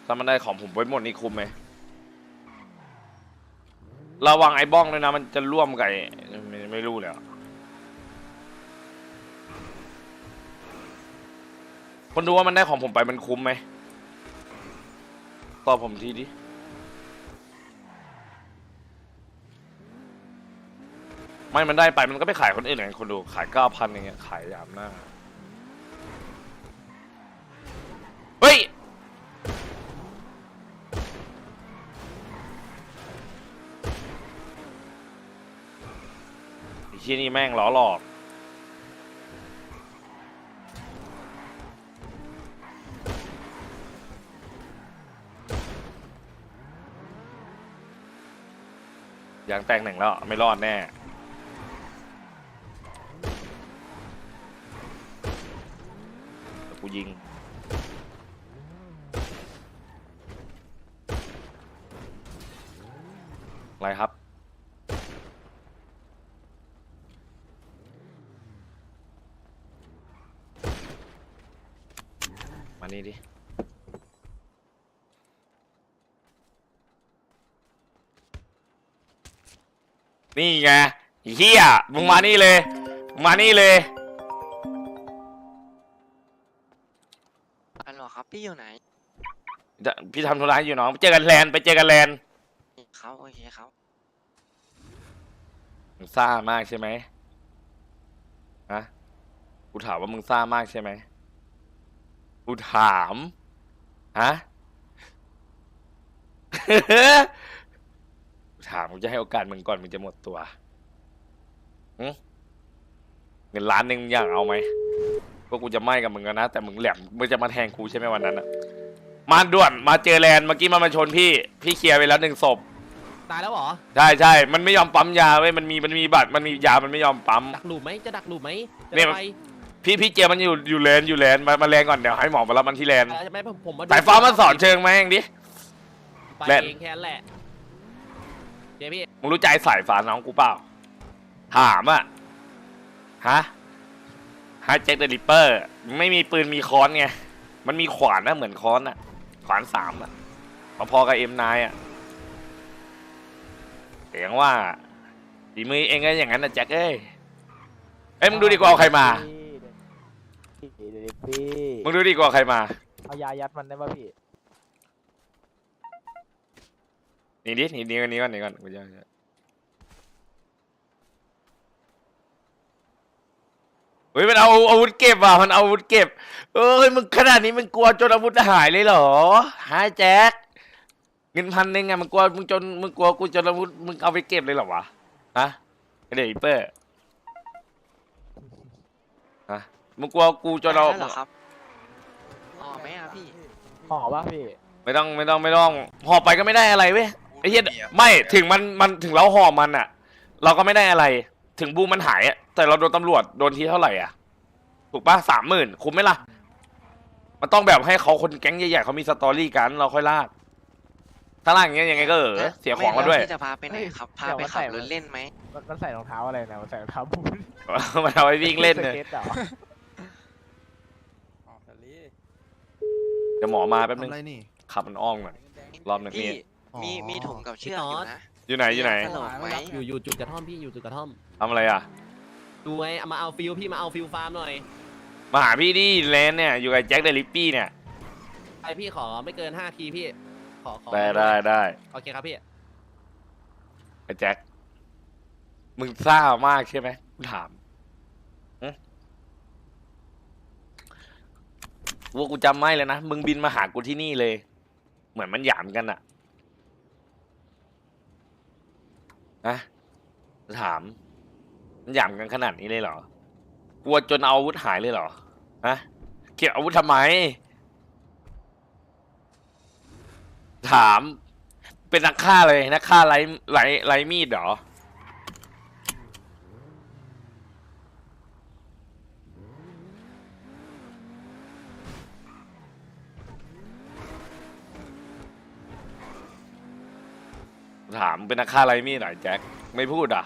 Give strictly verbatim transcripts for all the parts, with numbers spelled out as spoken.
ถ้ามันได้ของผมไว้หมดนี่คุ้มไหมระวังไอ้บ้องด้วยนะมันจะร่วมกับไม่ไม่รู้เลยคนดูว่ามันได้ของผมไปมันคุ้มไหมตอบผมทีดิไม่มันได้ไปมันก็ไปขายคนอื่นไงคนดูขายเก้าพันอย่างเงี้ยขายยามหน้าเฮ้ยไอ้เชี่ยนี่แม่งล้อหลอกอย่างแตงหนึ่งแล้วไม่รอดแน่กูยิงอะไรครับมานี่ดินี่ไงเฮียมึงมานี่เลยมานี่เลยฮัลโหลครับพี่อยู่ไหนพี่ทำธุระอยู่น้องไปเจอกันแลนไปเจอกันแลนครับโอเคครับมึงซ่ามากใช่ไหมฮะกูถามว่ามึงซ่ามากใช่ไหมกูถามฮะ ถามมึงจะให้โอกาสมึงก่อนมึงจะหมดตัวเงินล้านหนึ่งมึงอยากเอาไหมก็กูจะไม่กับมึงนะแต่มึงแหลมมึงจะมาแทงกูใช่ไหมวันนั้นอะมาด่วนมาเจอแลนเมื่อกี้มามาชนพี่พี่เคลียร์ไปแล้วหนึ่งศพตายแล้วเหรอใช่ใช่มันไม่ยอมปั๊มยาเว้ยมันมีมันมีบัตรมันมียามันไม่ยอมปั๊มดักหลุมไหมจะดักหลุมไหมเนี่ยพี่พี่เจมันอยู่อยู่แลนอยู่แลนมามาแลนก่อนเดี๋ยวให้หมอมารับมันที่แลนไม่ผมผมสายฟ้ามันสอนเชิงไหมเองดิไปเองแค่นั้นแหละเดี๋ยวพี่มึงรู้ใจสายฟ้าน้องกูเปล่าถามอะฮะฮะแจ็คเดอะริปเปอร์ไม่มีปืนมีค้อนไงมันมีขวานนะเหมือนค้อนอะขวานสามอะพอๆกับเอ็มนายอะเสียงว่าฝีมือเองก็อย่างนั้นนะแจ็คเอ้ยเอ้ยมึงดูดีกว่าเอาใครมามึงดูดีกว่าใครมาเอายายัดมันได้ป่ะพี่นี่ดินี่นี่ก่อนนี่ก่อนนี่ก่อนกูจะเฮ้ยมันเอาอาวุธเก็บว่ะมันเอาอาวุธเก็บเอ้ยมึงขนาดนี้มึงกลัวจนอาวุธหายเลยเหรอฮะแจ็คเงินพันหนึ่งอะมึงกลัวมึงจนมึงกลัวกูจนอาวุธมึงเอาไปเก็บเลยเหรอวะฮะไอเด็กเปอร์ฮะมึงกลัวกูจนเอาเหรอครับอ๋อไม่อะพี่ห่อป่ะพี่ไม่ต้องไม่ต้องไม่ต้องห่อไปก็ไม่ได้อะไรเว้ยไอ้เหี้ยไม่ถึงมันมันถึงเราห่อมันอะเราก็ไม่ได้อะไรถึงบูมันหายอะแต่เราโดนตำรวจโดนทีเท่าไหร่อ่ะถูกปะสามหมื่นคุ้มไหมล่ะมันต้องแบบให้เขาคนแก๊งใหญ่ๆเขามีสตอรี่กันเราค่อยลากถ้าลากอย่างเงี้ยยังไงก็เออเสียของมาด้วยพี่จะพาไปไหนครับพาไปขับรถเล่นไหมมันใส่รองเท้าอะไรนะมันใส่รองเท้าบูทมันเอาไปวิ่งเล่นเลยเดี๋ยวหมอมาแป๊บนึงขับมันอ้อมก่อนรอบหนึ่งนี่มีมีถุงกับเชือกอยู่นะอยู่ไหนอยู่ไหนอยู่อยู่จุดกระท่อมพี่อยู่จุดกระท่อมทำอะไรอ่ะดูไงมาเอาฟิลพี่มาเอาฟิลฟาร์มหน่อยมาหาพี่ดิแลนเนี่ยอยู่กับแจ็คเดลิปปี้เนี่ยไอพี่ขอไม่เกินห้าทีพี่ขอขอได้ได้ได้โอเคครับพี่ไอแจ็คมึงซ่ามากใช่ไหมกูถามว่ากูจำไม่เลยนะมึงบินมาหากูที่นี่เลยเหมือนมันหยามกันอะนะถามมันหยามกันขนาดนี้เลยเหรอกลัวจนเอาอาวุธหายเลยเหรอฮะเก็บอาวุธทำไมถามเป็นนักฆ่าเลยนักฆ่าไร้ไร้ไร้มีดเหรอถามเป็นนักฆ่าไร้มีดหน่อยแจ็คไม่พูดอ่ะ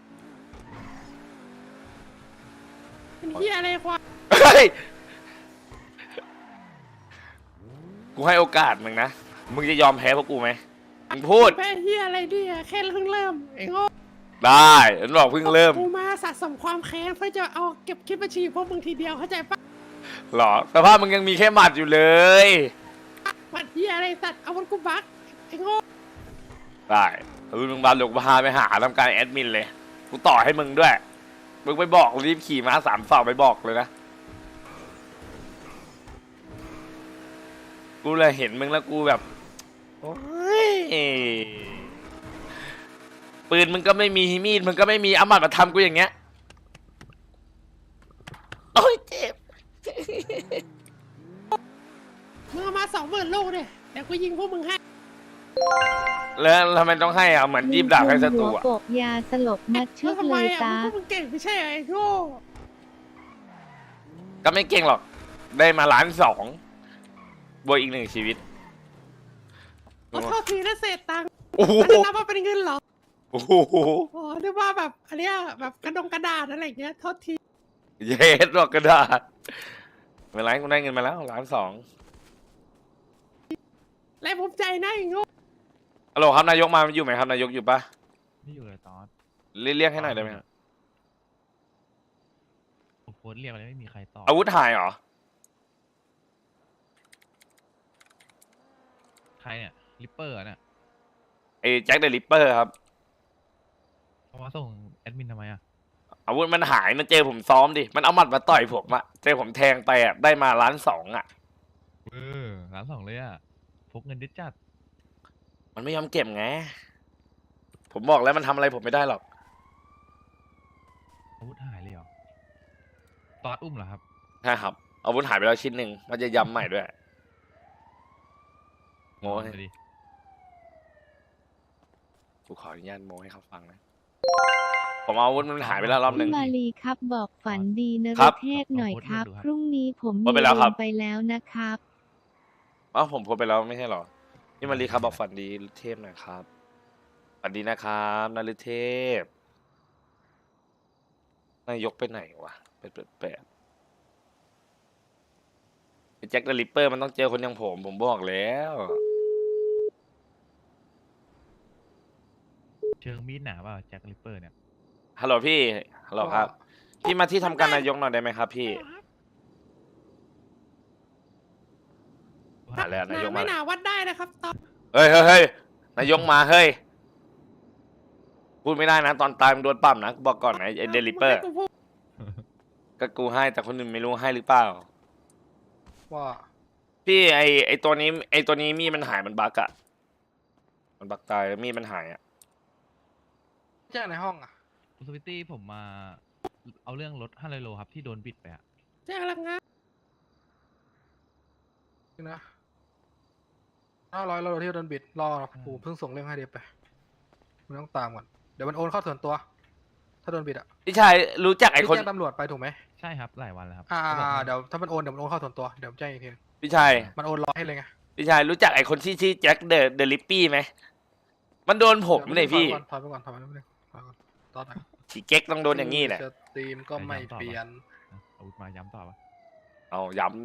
เป็นเฮียอะไรควะเฮ้ยกูให้โอกาสมึงนะมึงจะยอมแพ้พวกกูไหมมึงพูดแพ้เฮียอะไรเนี่ยแค่เพิ่งเริ่มไอ้โง่ได้ฉันบอกเพิ่งเริ่มกูมาสะสมความแค้นเพื่อจะเอาเก็บคิดบัญชีพวกมึงทีเดียวเข้าใจปะหรอสภาพมึงยังมีแค่หมัดอยู่เลยหมัดเฮียอะไรสัตว์เอาวันกูบักไอ้โง่ได้รุ่นมึงบาลกพาไปหาทำการแอดมินเลย กูต่อให้มึงด้วย มึงไปบอกรีบขี่ม้าสามสองไปบอกเลยนะ กูเลยเห็นมึงแล้วกูแบบ โอ้ย ปืนมึงก็ไม่มีมีดมึงก็ไม่มีเอาหมัดมาทำกูอย่างเงี้ย โอ้ยเจ็บมึงเอามาสองหมื่นลูกเนี่ยเดี๋ยวกูยิงพวกมึงให้แล้วทำไมต้องให้อ่ะเหมือนยิบดาบให้ศัตรูหัวอ่ะโปกยาสลบมัดเชืแล้อวกทำเลไมยอ่ะตาพวกมึงเก่งไม่ใช่เหรอไอ้โง่ก็ไม่เก่งหรอก ได้มาล้านสองบวกอีกหนึ่งชีวิตขอโทษทีนะเศษตังค์โอ้โหอันนี้นับว่าเป็นเงินเหรอโอ้โหอ๋อนึกว่าแบบอันเนี้ยแบบกระดงกระดาษอะไรอย่างเงี้ยโทษทีเย็ดหรอกกระดาษไม่เป็นไรกูได้เงินมาแล้วล้านสองและภูมิใจนะไอ้โง่ฮัลโหลครับนายกมาอยู่ไหมครับนายกอยู่ปะไม่อยู่เลยตอนเรียกเรียกให้หน่อยได้ไหมครับผมโพสต์เรียกอะไรไม่มีใครตอบอาวุธหายเหรอใครเนี่ยลิปเปอร์เนี่ยไอ้แจ็คเดอะริปเปอร์ครับเขามาส่งแอดมินทำไมอ่ะอาวุธมันหายมันเจอผมซ้อมดิ มันเอาหมัดมาต่อยผมอะเจอผมแทงไปอะได้มาล้านสองอะเออร้านสองเลยอ่ะพกเงินดิจัดมันไม่ยอมเก็บไง ผมบอกแล้วมันทำอะไรผมไม่ได้หรอกอาวุธหายเลยเหรอตอดอุ้มเหรอครับใช่ครับอาวุธหายไปแล้วชิ้นหนึ่งมันจะย้ำใหม่ด้วยโม้ให้ดูดิกูขออนุญาตโม้ให้เขาฟังนะ ผมเอาอาวุธมันหายไปแล้วรอบหนึ่งพี่มาลีครับบอกฝันดีนะครับเทศหน่อยครับ พรุ่งนี้ผมโพสต์ไปแล้วครับมีลงไปแล้วนะครับอ้าวผมโพสต์ไปแล้วไม่ใช่เหรอพี่มารีครับบอกฝันดีเทพหน่อยครับฝันดีนะครับนารุเทพนายกไปไหนวะไปเปิดแปดไอ้แจ็คเดอะริปเปอร์มันต้องเจอคนอย่างผม ผมบอกแล้วเชิงมีดหนาเปล่าแจ็คลิปเปอร์เนี่ยฮัลโหลพี่ฮัลโหลครับ พี่มาที่ทำการนายกหน่อยได้ไหมครับ พี่มาแล้วนายกหมาไม่แล้วหนาวัดได้นะครับตอนเฮ้ยเฮ้ยเฮ้ยนายกมาเฮ้ยพูดไม่ได้นะ ตอนตายมึงโดนปั๊มนะกูบอกก่อนนะไอ้เดลิเปอร์มึงให้กูพูดก็กูให้แต่คนอื่นไม่รู้ให้หรือเปล่าว่าพี่ไอไอตัวนี้ ไอตัวนี้มีดมันหายมันบักอะมันบักตายแล้วมีดมันหายอะแจ้งในห้องอ่ะคุณสวิตตี้ผมมาเอาเรื่องรถห้าร้อยโลครับที่โดนบิดไปอ่ะแจ้งระงับนะห้าร้อยเราที่โดนบิดรอปู่เพิ่งส่งเรื่องให้เดียบไปมันต้องตามก่อนเดี๋ยวมันโอนเข้าส่วนตัว ถ้าโดนบิดอ่ะพี่ชายรู้จักไอพี่คนแจ้งตำรวจไปถูกไหมใช่ครับหลายวันแล้วครับอ่าขาบอกให้เดี๋ยวถ้ามันโอนเดี๋ยวมันโอนเข้าส่วนตัวเดี๋ยวผมแจ้งอีกทีพี่ชายมันโอนรอให้เลยไงพี่ชายรู้จักไอคนที่ชื่อแจ็คเดอะเดลิปปี้ไหมมันโดนผมเลยพี่ถอยไปก่อนถอยไปก่อนถอยไปก่อนถอยไปก่อนตอนไหนฉีเก๊กต้องโดนอย่างนี้แหละสตรีมก็ไม่เปลี่ยนอ่ะอาวุธมาย้ำต่อปะเอาย้ำดิ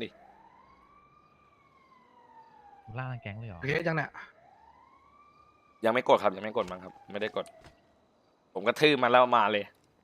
ล่าทั้งแก๊งเลยเหรอโอเคจังเนี่ยยังไม่กดครับยังไม่กดมั้งครับ ไม่ได้กด ผมก็ทื่อมันแล้วมาเลย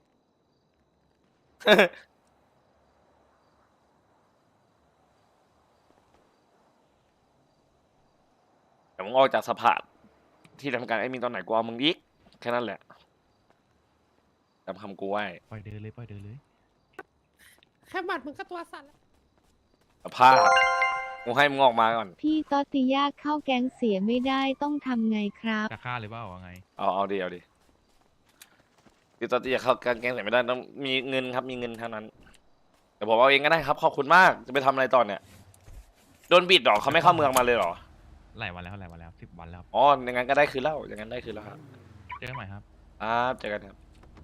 แต่มึงออกจากสภาที่ทำการไอ้มีตอนไหนกูเอามึงอีกแค่นั้นแหละจำคำกูไว้ปล่อยเดินเลยปล่อยเดินเลยแค่หมัดมึงก็ตัวสั่นแล้วสภาพกูให้มึงออกมาก่อนพี่ตอติยาเข้าแก๊งเสียไม่ได้ต้องทำไงครับจะฆ่าเลยเปล่าว่าไงเอาเอาดิเอาดิคือตอนที่จะเข้าการแกงใส่ไม่ได้ต้องมีเงินครับมีเงินเท่านั้นแต่ผมเอาเองก็ได้ครับขอบคุณมากจะไปทำอะไรต่อเนี่ยโดนบิดหรอเขาไม่เข้าเมืองมาเลยหรอหลายวันแล้วหลายวันแล้วสิบวันแล้วครับอ๋ออย่างนั้นก็ได้คืนแล้วอย่างนั้นได้คืนแล้วครับเจอกันใหม่ครับครับเจอกันครับ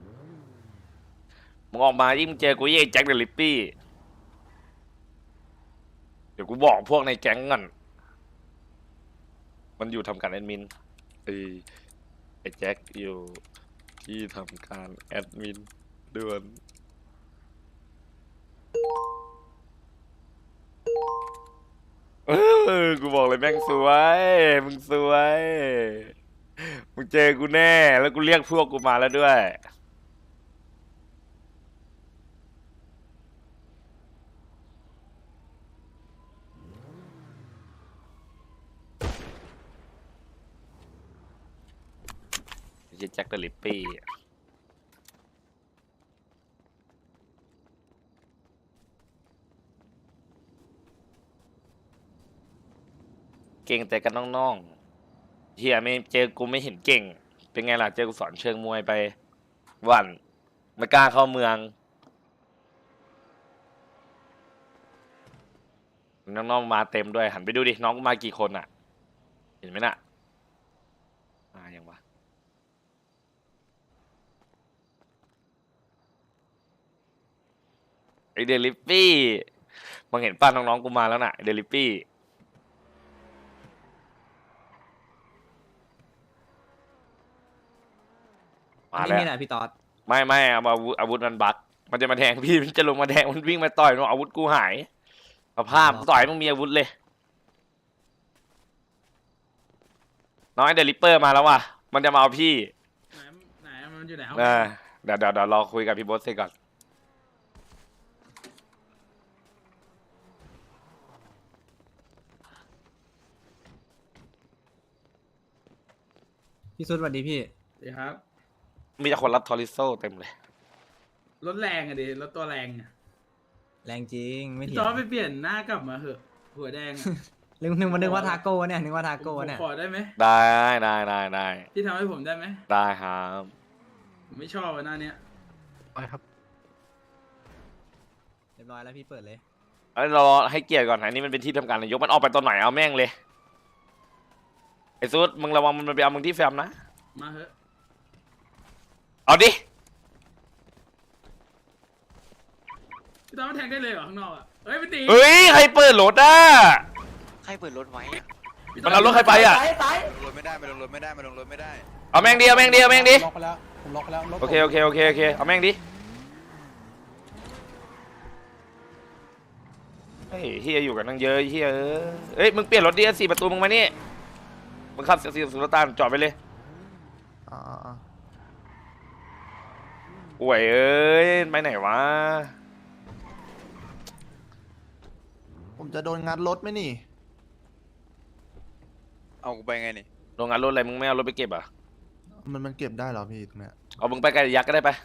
มึงออกมายิ่งเจอกูยี่ไอ้แจ็คเดอะลิปปี้เดี๋ยวกูบอกพวกในแก๊งก่อนมันอยู่ทำการแอดมินไอ้ไอ้แจ็คอยู่ที่ทำการแอดมินด่วนเออกูบอกเลยแม่งสวย มึงสวย มึงเจอกูแน่ แล้วกูเรียกพวกกูมาแล้วด้วย ไอ้เหี้ยแจ็คเดอะลิปปี้ เก่งแต่กันน้องๆเฮียไม่เจอกูไม่เห็นเก่ง เป็นไงล่ะเจอกูสอนเชิงมวยไปหวันไม่กล้าเข้าเมืองน้องๆมาเต็มด้วยหันไปดูดิน้องกูมากี่คนอ่ะ เห็นไหมน่ะมาอย่างวะไอเดลิปปี้มึงเห็นป้าน้องๆกูมาแล้วน่ะไอเดลิปปี้มาแล้วนี่แหละพี่ต๊อดไม่ไม่เอาอาวุธอาวุธมันบักมันจะมาแทงพี่ มันจะลงมาแทงมันวิ่งมาต่อยมันอาวุธกูหายเอาภาพต่อยมึงมีอาวุธเลยน้อยเดลิปเปอร์มาแล้วว่ะมันจะมาเอาพี่ไหนไหนมันอยู่ไหนเอาเออเดี๋ยวเดี๋ยวเดี๋ยวรอคุยกับพี่โบสเสร็จก่อนพี่สุดสวัสดีพี่เดี๋ยวครับมีแต่คนรับทอริโซเต็มเลยรถแรงอะดิรถตัวแรงอะแรงจริงไม่พี่เถียจอง ไปเปลี่ยนหน้ากลับมาเหอะ หัวแดงอะนึกนึกว่านึกว่าทาโก้เนี่ยนึกว่าทาผมโก้เนี่ยขอได้ไหมได้ได้ได้ได้พี่ทำให้ผมได้ไหมได้ครับผมไม่ชอบอะหน้าเนี้ยไปครับเรียบร้อยแล้วพี่เปิดเลยเอ้ยรอให้เกียรติก่อนอันนี้มันเป็นที่ทำการนายกมันออกไปตอนไหนเอาแม่งเลยไอ้ซูดมึงระวังมันไปเอามึงที่แฟมนะมาเหอะเอาดิพี่จอมาแทงได้เลยเหรอข้างนอกอะเฮ้ยพี่ตีเฮ้ยใครเปิดรถอ่ะใครเปิดรถไว้อะพี่มันเอารถใครไปอ่ะลงรถไม่ได้มันลงรถไม่ได้มันลงรถไม่ได้เอาแม่งดิเอาแม่งดิเอาแม่งดิล็อกไปแล้ว ผมล็อกไปแล้วรถโอเคโอเคโอเคโอเคเอาแม่งดิเฮ้ยเฮียอยู่กันตั้งเยอะเฮียเอ้ยเอ้ยมึงเปลี่ยนรถดิสี่ประตูมึงมานี่มึงขับสี่สุลต่านจอดไปเลยป่วยเอ้ยไปไหนวะผมจะโดนงัดรถไหมนี่ เอากูไปไงนี่โรงงานรถอะไรมึงไม่เอารถไปเก็บอ่ะมันมันเก็บได้เหรอพี่ตรงเนี้ยเอามึงไปไกลยักษ์ก็ได้ไป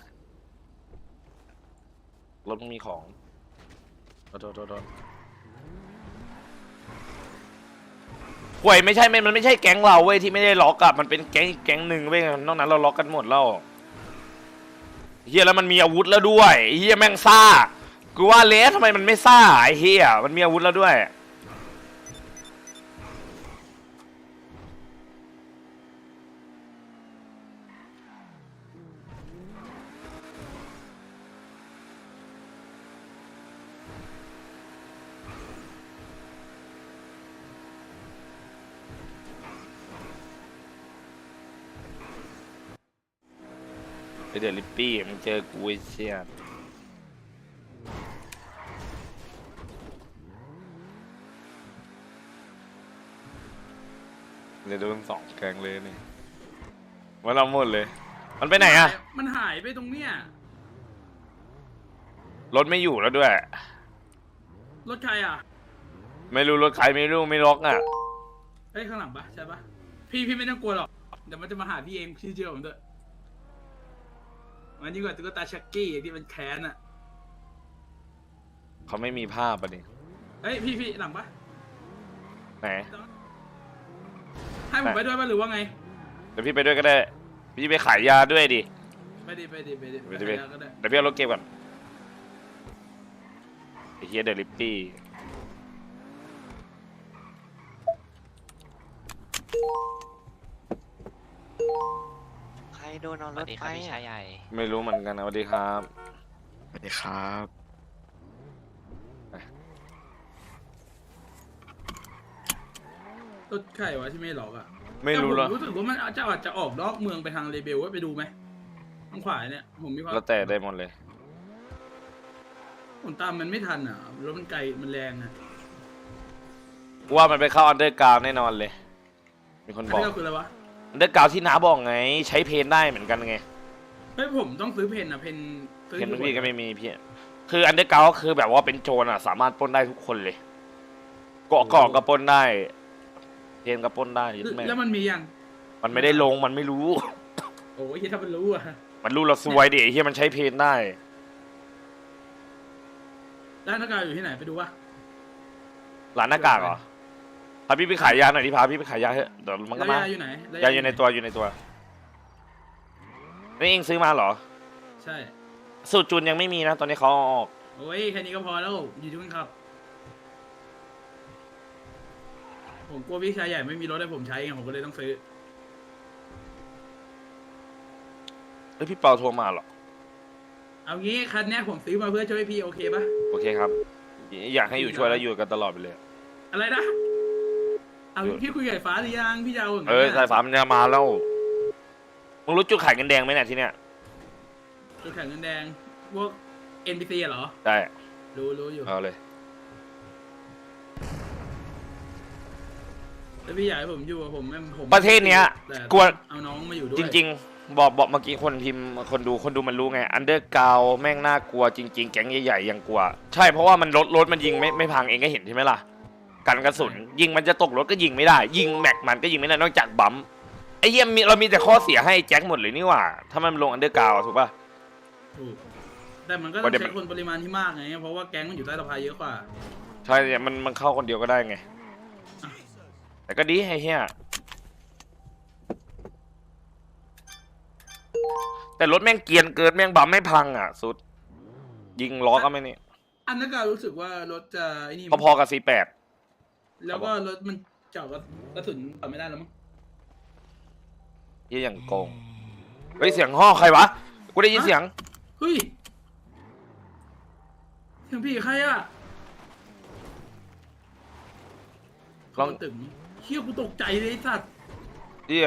รถมึงมีของโดนโดนโดนป่วยไม่ใช่ไม่มันไม่ใช่แก๊งเราเว้ยที่ไม่ได้ล็อกอะมันเป็นแก๊งอีกแก๊งหนึ่งเว้ยนอกนั้นเราล็อกกันหมดแล้วเฮียแล้วมันมีอาวุธแล้วด้วยเฮียแม่งซ่ากูว่าเลสทำไมมันไม่ซ่าไอ้เฮียมันมีอาวุธแล้วด้วยไอเดลิปปี้มึงเจอกูไอ้เชี่ยเลยโดนสองแกงเลยนี่มันเอาหมดเลย มันไปไหนอะมันหายไปตรงเนี้ยรถไม่อยู่แล้วด้วยรถใครอ่ะไม่รู้รถใครไม่รู้ไม่ล็อกอะเฮ้ยข้างหลังปะใช่ปะพี่พี่ไม่ต้องกลัวหรอกเดี๋ยวมันจะมาหาพี่เองพี่เชื่อผมเถอะมันยิ่งกว่าตุ๊กตาชักกี้ที่มันแค้นอ่ะเขาไม่มีภาพอ่ะดิเฮ้ยพี่พี่หลังปะไหนให้ผมไปด้วยปะหรือว่าไงเดี๋ยวพี่ไปด้วยก็ได้ พี่ไปขายยาด้วยดิไปดิไปดิไปดิไปดิไปแล้วก็ได้เดี๋ยวพี่เอารถเก็บก่อนไอ้เฮียเดลิปปี้ใครโดนเอารถไปอะไม่รู้เหมือนกันนะสวัสดีครับสวัสดีครับรถใครวะที่ไม่หลอกอ่ะไม่รู้แต่แล้วผมรู้สึกว่ามันอาจจะอาจจะออกนอกเมืองไปทางเรเบลว่าไปดูไหมทางขวาเนี่ยผมมีความแล้วแต่ได้หมดเลยผมตามมันไม่ทันอ่ะรถมันไกลมันแรงอ่ะว่ามันไปเข้าอันเดอร์กราวแน่นอนเลย มีคนบอกอันนี้ก็คืออะไรวะอันเดอร์กราวที่น้าบอกไง ใช้เพนได้เหมือนกันไงเฮ้ยผมต้องซื้อเพนอะเพนซื้อเพนอยู่พี่ก็ไม่มีพี่คืออันเดอร์กราวก็คือแบบว่าเป็นโจรอ่ะ สามารถปล้นได้ทุกคนเลยเกาะเกาะก็ปล้นได้เพนก็ปล้นได้ยึดแม่งแล้วมันมียังมันไม่ได้ลงมันไม่รู้โอ้ยถ้ามันรู้อะมันรู้เราซวยดิไอ้เฮียมันใช้เพนได้ร้านหน้ากากอยู่ที่ไหนไปดูวะร้านหน้ากากเหรอพาพี่ไปขายยาหน่อยดิพาพี่ไปขายยาเถอะเดี๋ยวมันก็แล้วมายาอยู่ไหนแล้วยาอยู่ในตัวอยู่ในตัวนี่เองซื้อมาเหรอใช่สูตรจูนยังไม่มีนะ ตอนนี้เขาเอาออกโอ้ยแค่นี้ก็พอแล้วอยู่ที่มึงครับ ผมกลัวพี่ชายใหญ่ไม่มีรถให้ผมใช้ไงผมก็เลยต้องซื้อเฮ้ยพี่เปาโทรมาเหรอเอางี้คันเนี้ยผมซื้อมาเพื่อช่วยพี่โอเคปะโอเคครับ อยากให้อยู่ช่วยแล้วอยู่กันตลอดไปเลยอะไรนะ เอาพี่คุยกับไอ้ฟ้าหรือยังพี่จะเอาย่งเอนั้นอน่ะสายฟ้ามันจะมาแล้วมึงรู้จุดขายเงินแดงไหมเนี่ยที่เนี้ยจุดแข่งเงินแดงพวก เอ็น พี ซี เหรอได้รู้รู้อยู่เอาเลยแล้วพี่อยากให้ผมอยู่กับผมแม่งผมประเทศเนี้ยแต่กลัวเอาน้องมาอยู่ด้วยจริง ๆ บอกบอกเมื่อกี้คนพิมพ์คนดูคนดูมันรู้ไงอันเดอร์กราวแม่งน่ากลัวจริง ๆ แก๊งใหญ่ๆยังกลัว ใช่เพราะว่ามันรถรถมันยิงไม่ไม่พังเองก็เห็นใช่ไหมล่ะกันกระสุนยิงมันจะตกรถก็ยิงไม่ได้ ยิงแม็กมันก็ยิงไม่ได้นอกจากบัมป์ไอ้เยี่ยมมีเรามีแต่ข้อเสียให้แจ็คหมดเลยนี่หว่า ถ้ามันลงอันเดอร์กราวถูกป่ะถูกแต่มันก็ปต้อระเด็งนมันใช้คนปริมาณที่มากไงเพราะว่าแก๊งมันอยู่ใต้สะพานเยอะกว่าใช่เนี่ยมันมันเข้าคนเดียวก็ได้ไง แต่ก็ดีไอ้เหี้ยแต่รถแม่งเกรียนเกินแม่งบัมไม่พังอ่ะ สุด ยิงล้อก็ไม่นี่อันนั้นก็รู้สึกว่ารถจะไอ้นี่พอๆกับ ซี แปดแล้วก็รถมันเจาะกระสุนต่อไม่ได้แล้วมั้งยี่อย่างโกงเฮ้ยเสียงห่อใครวะกูได้ยินเสียงเฮ้ยเสียงพี่ใครอะลองตึงเชี่ยกูตกใจเลยไอ้สัตว์เหี้ย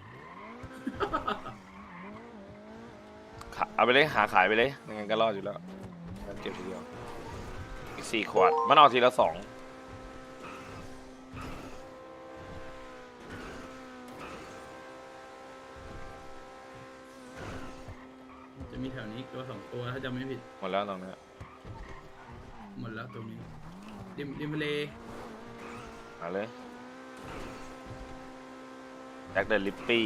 ขาเอาไปเลยหาขายไปเลยยังไงก็รอดอยู่แล้วงั้นเก็บทีเดียวอีกสี่ขวดมันเอาทีละสองจะมีแถวนี้ตัวสองตัวถ้าจำไม่ผิดหมดแล้วตรงนี้หมดแล้วตรงนี้ริมริมทะเลหาเลยแจ็คเดอะลิปปี้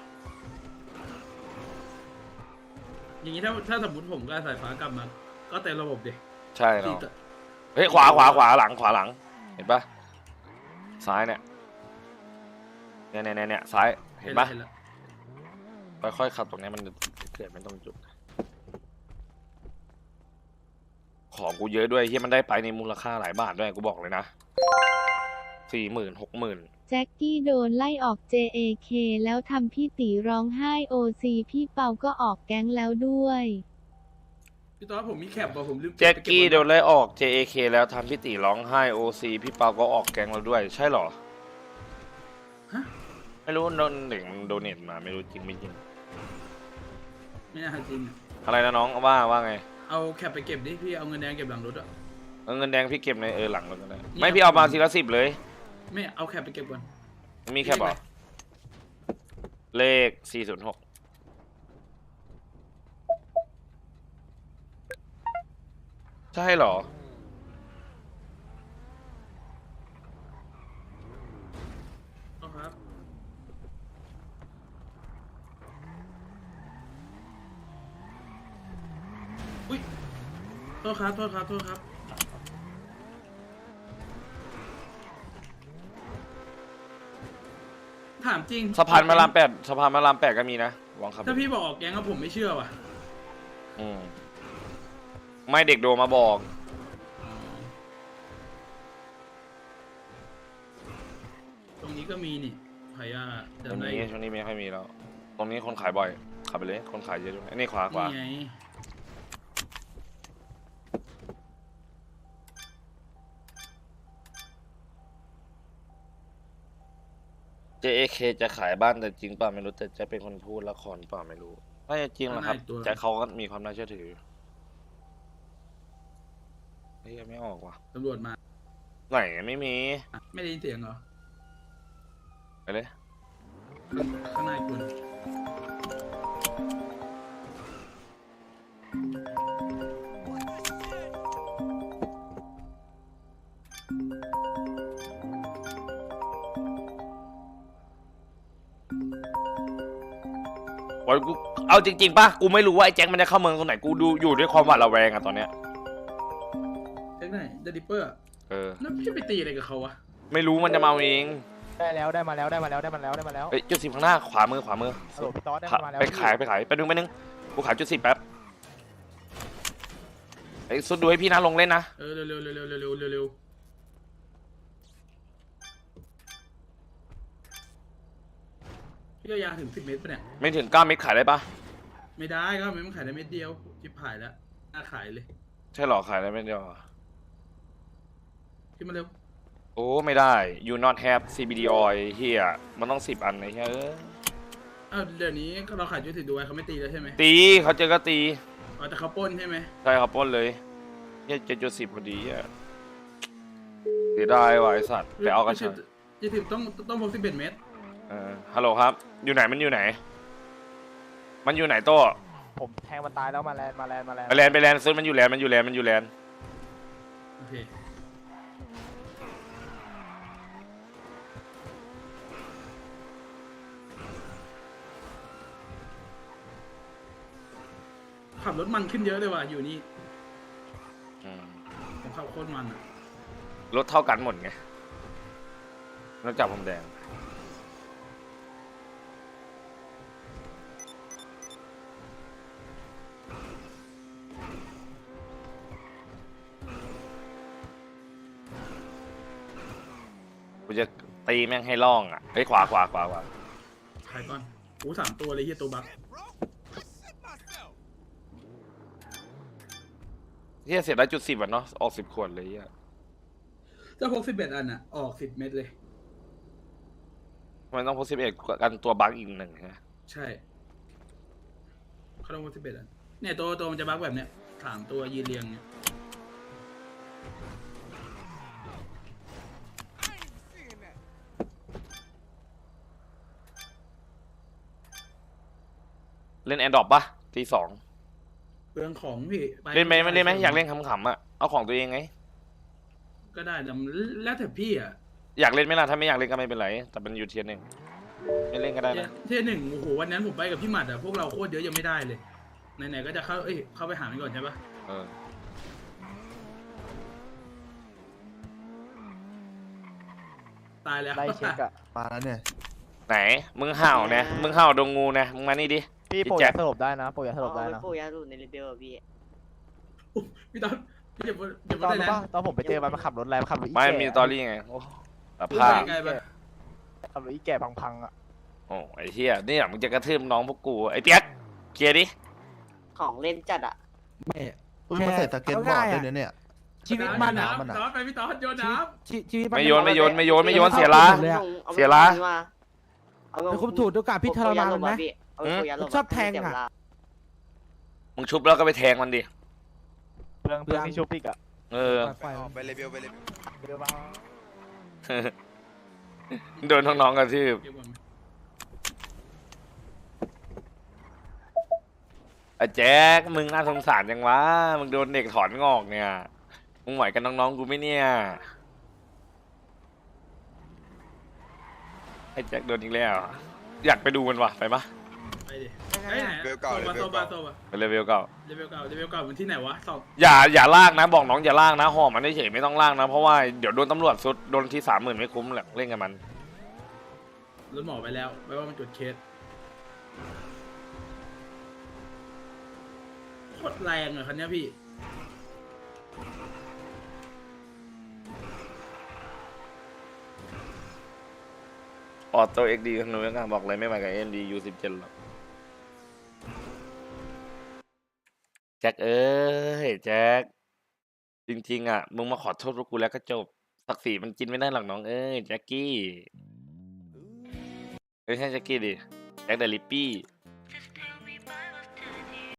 อย่างนี้ถ้าถ้าสมมติผมกับสายฟ้ากลับมา ก็เต็มระบบดิใช่เนาะสี่ตัวเฮ้ยขวาขวาขวาหลังขวาหลัง เห็นปะซ้ายเนี่ยเนี่ยเนี่ยเนี่ยซ้ายเห็นปะเห็นแล้วค่อยๆขับตรงนี้มันเกิดไม่ต้องจุด ของกูเยอะด้วยที่มันได้ไปในมูลค่าหลายบาทด้วยกูบอกเลยนะสี่หมื่นหกหมื่นแจ็คกี้โดนไล่ออก เจ เอ เค แล้วทำพี่ตีร้องไห้ โอ ซี พี่เปาก็ออกแก๊งแล้วด้วยพี่ตอนผมมีแคปบอกผมลืมแจ็คกี้โดนเลยไล่ออก เจ เอ เค แล้วทำพี่ตีร้องไห้ โอ ซี พี่เปาก็ออกแกงเราด้วย ใช่เหรอ ไม่รู้โดนเด็กมันโดเนทมาไม่รู้จริงไม่จริงไม่น่าจริงอะอะไรนะน้องว่าว่าไงเอาแคปไปเก็บดิพี่เอาเงินแดงเก็บหลังรถอะเอาเงินแดงพี่เก็บในเออหลังรถก็ได้นี่ไม่พี่เอามาทีละสิบเลยไม่เอาแคปไปเก็บก่อนมีแค่บอกเลขสี่ศูนย์หกใช่เหรอเอาครับ อุ้ยโทษครับ โทษครับ โทษครับ ถามจริงสะพานมารามแปดสะพานมารามแปดก็มีนะลองขับถ้าพี่บอกออกแก๊งก็ผมไม่เชื่อว่ะอืมไม่เด็กโดมาบอกตรงนี้ก็มีนี่พายาตรงจำได้นี้ช่วงนี้ไม่ค่อยมีแล้ว ตรงนี้คนขายบ่อย ขับไปเลย คนขายเยอะด้วยนี่ขวาขวานี่ไงเจ เอ เค จะขายบ้านแต่จริงป่ะไม่รู้แต่จะเป็นคนพูดละครป่ะไม่รู้น่าจะจริงแหละครับแจ็คเขาก็มีความน่าเชื่อถือเฮ้ยยังไม่ออกว่ะตำรวจมาไหนไม่มีไม่ได้ยินเสียงเหรอไปเลยข้างในคุณวันกูเอาจริงๆป่ะกูไม่รู้ว่าไอ้แจ็คมันจะเข้าเมืองตรงไหนกูดูอยู่ด้วยความหวาดระแวงอะตอนเนี้ยเจ๊กไหนเดดิปเปอร์เออแล้วพี่ไปตีอะไรกับเขาวะไม่รู้มันจะมาเองได้แล้วได้มาแล้วได้มาแล้วได้มาแล้วได้มาแล้วเอ้ยจุดสิบข้างหน้าขวามือขวามือฮัลโหลพี่ต๊อดได้ขามาแล้วไปขายไปขายไปนึงไปนึงกูขายจุดสิบแป๊บไอ้สุดดูให้พี่นะลงเล่นนะเออเร็วเร็วเร็วเร็วเร็วเร็วเร็วพี่เอายาถึงสิบเมตรปะเนี่ยไม่ถึงเก้าเม็ดขายได้ปะไม่ได้ก็ไม่มันขายได้เม็ดเดียวจิบหายแล้วน่าขายเลยใช่หรอขายได้เม็ดเดียวเหรอพี่มาเร็วโอ้ไม่ได้ you not have ซี บี ดี oil เฮียมันต้องสิบอันไอ้เฮียเอ้ยอ้าวเดี๋ยวนี้เราขายจุดถึงดูไว้เขาไม่ตีแล้วใช่ไหมตีเขาเจอก็ตีอ๋อแต่เขาปล้นใช่ไหมใช่ครับปล้นเลยเฮียเจ็ดจุดสิบพอดีอ่ะเสียดายว่ะไอสัตว์ไปเอากระชับจะถึงต้องต้องพกสิบเอ็ดเมตรเออฮัลโหลครับ อยู่ไหนมันอยู่ไหน มันอยู่ไหนโต้ผมแทงมันตายแล้วมาแลนมาแลนมาแลนไปแลนไปแลนซื้อมันอยู่แลนมันอยู่แลนมันอยู่แลนโอเคขับรถมันขึ้นเยอะเลยว่ะอยู่นี่อืมผมขับโคตรมันอ่ะรถเท่ากันหมดไงนอกจากผมแดงกูจะตีแม่งให้ล่องอ่ะเฮ้ยขวาขวาขวาขวาขายก่อนโอ้สามตัวเลยเฮียตัวบักเฮียเสียได้จุดสิบอ่ะเนาะออกสิบขวดเลยเฮียถ้าพกสิบเอ็ดอันอ่ะ ออกสิบเม็ดเลยมันต้องพกสิบเอ็ดกันตัวบั๊กอีกหนึ่งนะใช่เขาต้องพกสิบเอ็ดอันเนี่ยตัวตัวมันจะบักแบบเนี้ยสามตัวยืนเรียงเนี่ยเล่นแอนดรอปปะตีสองเปลืองของพี่ปเล่นไหมไม่เล่นไหมอยากเล่นขำๆอ่ะเอาของตัวเองไงก็ได้แต่มันแล้วแต่พี่อ่ะอยากเล่นไหมล่ะถ้าไม่อยากเล่นก็ไม่เป็นไรแต่เป็นยูเทียนหนึ่งไม่เล่นก็ได้นะเที่ยหนึ่งโอ้โหวันนั้นผมไปกับพี่หมัดอ่ะพวกเราโคตรเยอะยังไม่ได้เลยไหนๆก็จะเข้าเอ้ยเข้าไปหามันก่อนใช่ปะเออตายแล้วไล่เช็คอะมาแล้วเนี่ยไหนมึงเห่านะมึงเห่าดงงูนะมึงมานี่ดิพี่พี่โปรแจ็ยาคสลบได้นะโปรยาสลบได้เอานะไปปูยาดูในรีเบลอะพี่พี่ตอนพี่จะจะตอนได้รู้แล้วปะตอนผมไปเจอมันมันขับรถอะไรมันขับรถอีไม่แก่มีตอรี่ไงโอ้สพี่ภาพไกลไปขับรถอีแก่พังๆอะโอ้ไอ้เหี้ยนี่มึงจะกระทืบน้องพวกกูไอ้เปียกเคลียร์ดิของเล่นจัดอะอุ้ยมันใส่สเก็ตบอร์ดด้วยนะเนี่ยชีวิตมันอะน้ำน้ำไปพี่ตอนโยนน้ชีชีวิตมันไม่โยนไม่โยนไม่โยนไม่โยนเสียละเลยอะอาเสียละเอาเป็นคุณถูกดูการพี่ทรมานมันไหมเอาไปปูยาลงชอบแทงอะเสียเวลามึงชุบแล้วก็ไปแทงมันดิเรื่องเรื่องที่ชุบอีกอะเออปล่อยไปเลเวลไปเลเวลเดี๋ยวบ้างโดนน้องๆกระทืบำเดี๋ยวก่อนไอ้แจ็คมึงน่าสงสารจังวะมึงโดนเด็กถอนงอกเนี่ยมึงไหวกันน้องๆกูไหม่เนี่ยไอ้แจ็คโดนอีกแล้วอยากไปดูมันวะไปปะไปดิเฮ้ยไหนโซบาโซบาโซบาไปเลเวลเก่าเลเวลเก่าเลเวลเก่ามันที่ไหนวะสองอย่าอย่าลากนะบอกน้องอย่าลากนะห่อมันเฉยๆไม่ต้องลากนะเพราะว่าเดี๋ยวโดนตำรวจสุดโดนที่สามหมื่นไม่คุ้มหรอกเล่นกับมันรถหมอไปแล้วไปว่ามันจุดเคสโคตรแรงอะคันเนี้ยพี่ออโต้เอ็กดีคนูยังบอกเลยไม่ไหวกับเอ็นดียูสิบเจ็ดหรอกแจ็คเอ้ยแจ็คจริงๆอ่ะมึงมาขอโทษพวกกูแล้วก็จบศักดิ์ศรีมันกินไม่ได้หรอกน้องเอ้ยแจ็คกี้ไม่ใช่แจ็คกี้ดิแจ็คเดลิปปี้